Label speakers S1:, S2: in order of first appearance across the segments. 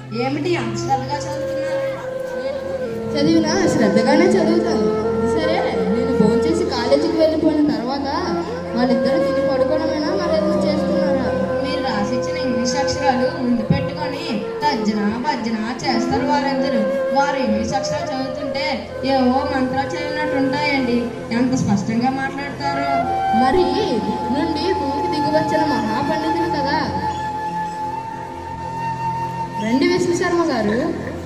S1: ఏమిటి అంత శ్రద్ధగా చదువుతున్నారు?
S2: చదివినా శ్రద్ధగానే చదువుతాను. సరే, నేను ఫోన్ చేసి కాలేజీకి వెళ్ళిపోయిన తర్వాత వాళ్ళిద్దరూ తిని పడుకోవడమేనా మరేదో చేస్తున్నారా?
S1: మీరు రాసిచ్చిన ఇంగ్లీష్ అక్షరాలు ముందు పెట్టుకొని తర్జన భర్జన చేస్తారు వారిద్దరు. వారు ఇంగ్లీష్ అక్షరాలు చదువుతుంటే ఏవో మంత్రాలు చదివినట్టు ఉంటాయండి. ఎంత స్పష్టంగా మాట్లాడతారు.
S2: మరి నుండి భూమికి దిగివచ్చిన మహాపండితులు కదా. రండి విష్ణు శర్మ గారు.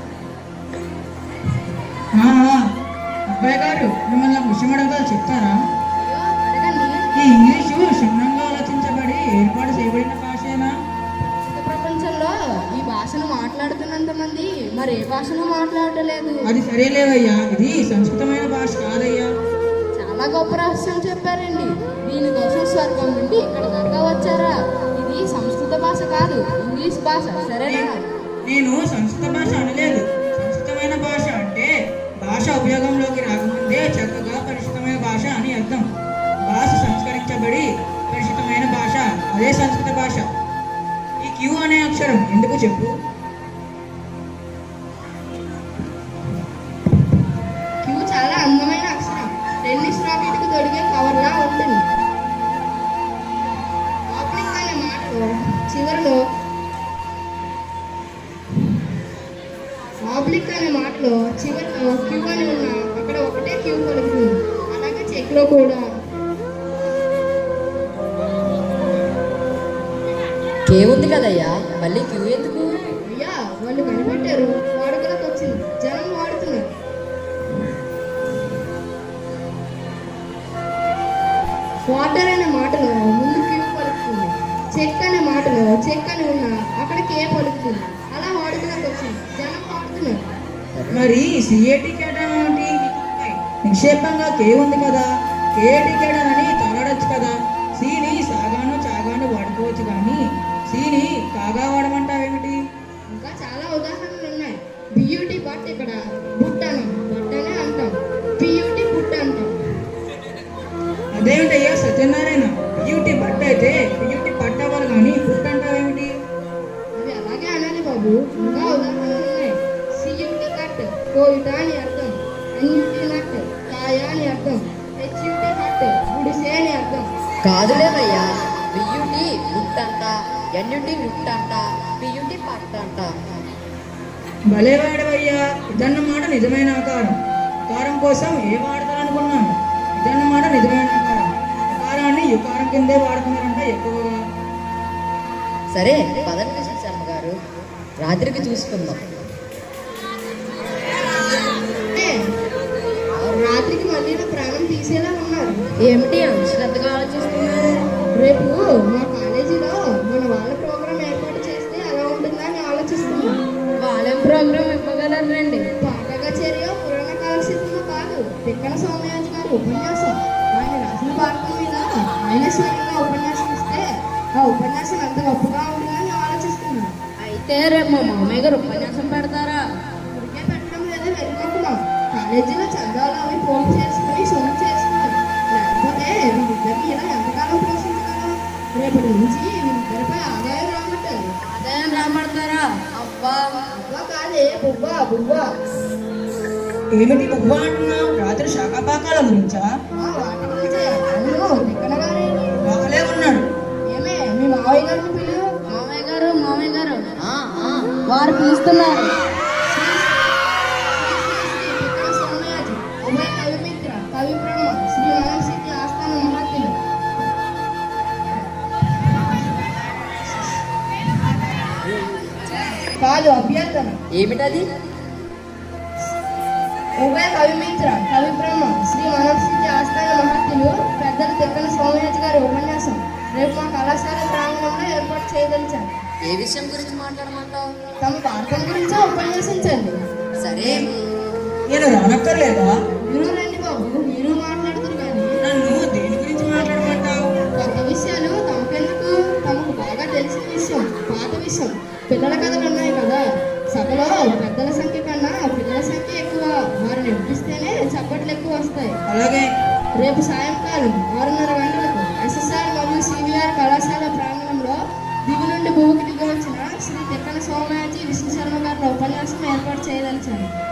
S3: అబ్బాయి గారు, మిమ్మల్ని ఒక విషయం అడగాలి, చెప్తారా?
S2: అడగండి.
S3: ఈ ఇంగ్లీషు క్షుణ్ణంగా ఆలోచించబడి ఏర్పాటు చేయబడిన భాషేనా?
S2: ప్రపంచంలో ఈ భాషను మాట్లాడుతున్నంత మంది మరి ఏ భాషను మాట్లాడలేదు.
S3: అది సరేలేవయ్యా, ఇది సంస్కృతమైన భాష కాదయ్యా.
S2: చాలా గొప్ప రహస్యం చెప్పారండి. దీనికోసం స్వర్గం నుండి ఇక్కడ దాకా వచ్చారా? ఇది సంస్కృత భాష కాదు, ఇంగ్లీష్ భాష. సరేనా?
S3: నేను సంస్కృత భాష అనలేదు. సంస్కృతమైన భాష అంటే భాష ఉపయోగంలోకి రాకముందే చక్కగా పరిశుద్ధమైన భాష అని అర్థం. భాష సంస్కరించబడి పరిశుద్ధమైన భాష, అదే సంస్కృత భాష. ఈ క్యూ అనే అక్షరం ఎందుకు చెప్పు?
S2: క్యూ చాలా అందమైన అక్షరం. టెన్నిస్ రాకెట్ కు తొడిగే కవర్లా ఉంటుంది. ఆప్లిక్ అనే మాటలో చివరిలో క్యూ అని ఉన్నా అక్కడ ఒకటే క్యూ కలుగుతుంది. అలాగే చెక్ లో కూడా.
S4: కే ఉంది కదయ్యా, మళ్ళీ క్యూ ఎందుకు?
S2: అయ్యా, వాళ్ళు కనిపెట్టారు. వాడుకలకు వచ్చింది, జనం వాడుతున్నారు. వాటర్ అనే మాటలో ముందు క్యూ పలుకుతుంది. చెక్ అనే మాటలో చెక్ అని ఉన్నా అక్కడ కే పలుకుతుంది. అలా వాడుకలకు వచ్చింది, జనం వాడుతున్నారు.
S3: మరి సిఏటి కేటన్ ఏమిటి? నిక్షేపంగా కే ఉంది కదా, కేటి కేటన్ అని తగడచ్చు కదా. సిని సాగాను చాగాను వాడుకోవచ్చు, కానీ సిని కాగా వాడమంటావేమిటి?
S2: ఇంకా చాలా ఉదాహరణలు ఉన్నాయి. బియూటీ బట్ ఇక్కడ బుట్టను బట్టనే అంటాం. పియూటీ బుట్ట అంటాం.
S3: అదేమిటయ్యా సత్యనారాయణ, బియూటీ బట్ట అయితే బియూటీ పట్ట అవ్వాలి, కానీ బుట్ట అంటావేమిటి?
S2: అవి అలాగే అనాలి బాబు. ఇంకా ఉదాహరణలు ఉన్నాయి. సియూటీ కట్ కోయిట అని అర్థం. ఎన్యూటీ నట్ కాయ అని అర్థం. హెచ్యూటీ హట్ గుడిసే అని అర్థం.
S4: కాదులేవయ్యా, బియ్యుటి బుట్ట అంట, ఎన్యుటి నుట్ట అంట, పియుటి పట్ట అంట.
S3: భలేవాడవయ్యా, ఇదన్నమాట నిజమైన ఆకారం. ఆకారం కోసం ఏ వాడతారనుకున్నాను. ఇదన్నమాట నిజమైన ఆకారం. ఆకారాన్ని యుకారం కిందే వాడుతున్నారంట ఎక్కువగా.
S4: సరే, పదండి విష్ణు శర్మ గారు, రాత్రికి చూసుకుందాం.
S2: రాత్రికి మళ్ళీ నా ప్రాణం తీసేలా ఉన్నారు.
S4: ఏమిటి అంత శ్రద్ధగా ఆలోచిస్తున్నారు?
S2: రేపు మా కాలేజీలో మన వాళ్ళ ప్రోగ్రాం ఏర్పాటు చేస్తే ఎలా ఉంటుందని ఆలోచిస్తున్నాం.
S4: వాళ్ళేం ప్రోగ్రామ్ ఇవ్వగలరండి?
S2: పాట కచేరియో పురాణ కాలక్షేత్రమో కాదు, తిక్కన సోమయాజి గారి ఉపన్యాసం. ఆయన రాసిన భారతం మీద ఆయన స్వయంగా ఉపన్యాసం ఇస్తే ఆ ఉపన్యాసం ఎంత గొప్పగా ఉంటుందని ఆలోచిస్తున్నాం.
S4: అయితే రేపు మా మామయ్య గారు ఉపన్యాసం పెడతారా?
S2: ఉడికే పెట్టడం లేదా వెళ్ళిపోతున్నాం. కాలేజీలో చందాలు అవి ఫోన్ చేసుకుని సొమ్ము చేసుకున్నాం. లేకపోతే వీళ్ళిద్దరిని ఇలా ఎంతకాలం పోషించగలం? రేపటి నుంచి వీళ్ళిద్దరిపై ఆదాయం రాబట్టారు.
S4: ఆదాయం రాబడతారా? అబ్బా
S2: అబ్బా కాదే, బుబ్బా బుబ్బా.
S3: ఏమిటి బువ్వ అంటున్నావు? రాత్రి శాఖాపాకాల గురించా?
S2: వాటి గురించే. అవును, తిక్కన గారే.
S3: బాగలే ఉన్నాడు.
S2: ఏమే, మీ మావయ్య గారిని పిలు.
S4: మామయ్య గారు, మామయ్య గారు, వారు పిలుస్తున్నారు.
S2: తిక్కన సోమయాజి, ఉభయ కవిమిత్ర, కవి బ్రహ్మ, శ్రీ మనసిద్ధి ఆస్థాన మహత్తులు. కాదు, అభ్యర్థన.
S4: ఏమిటది?
S2: ఉభయ కవిమిత్ర, కవి బ్రహ్మ, శ్రీ మనసిద్ధి ఆస్థాన మహత్తులు పెద్దలు తిక్కన సోమయాజి గారి ఉపన్యాసం రేపు మా కళాశాల ప్రాంగణంలో ఏర్పాటు చేయదలిచారు.
S4: ఏ విషయం గురించి మాట్లాడమంటావు?
S2: తమ భారతం గురించే ఉపన్యాసించండి.
S4: సరే,
S3: నేను రానక్కర్లేదా?
S2: మీరు రండి బాబు, మీరు మాట్లాడుతున్నారు. కానీ
S3: నన్ను దేని గురించి మాట్లాడమంటావు?
S2: కొత్త విషయాలు తమకెందుకు? తమకు బాగా తెలిసిన విషయం, పాత విషయం. పిల్లల కథలు ఉన్నాయి కదా, సభలో పెద్దల సంఖ్య కన్నా పిల్లల సంఖ్య ఎక్కువ. వారిని ఎప్పిస్తేనే చప్పట్లు ఎక్కువ వస్తాయి.
S3: అలాగే.
S2: రేపు సాయంకాలం 6:30 గంటలకు ఎస్ఎస్ఆర్ మరియు సివిఆర్ కళాశాల ప్రాంగణంలో దిగు నుండి భూమికి దిగి వచ్చిన శ్రీ తిక్కన సోమయాజి విష్ణు శర్మ గారి
S1: ఉపన్యాసం ఏర్పాటు చేయదలిచాను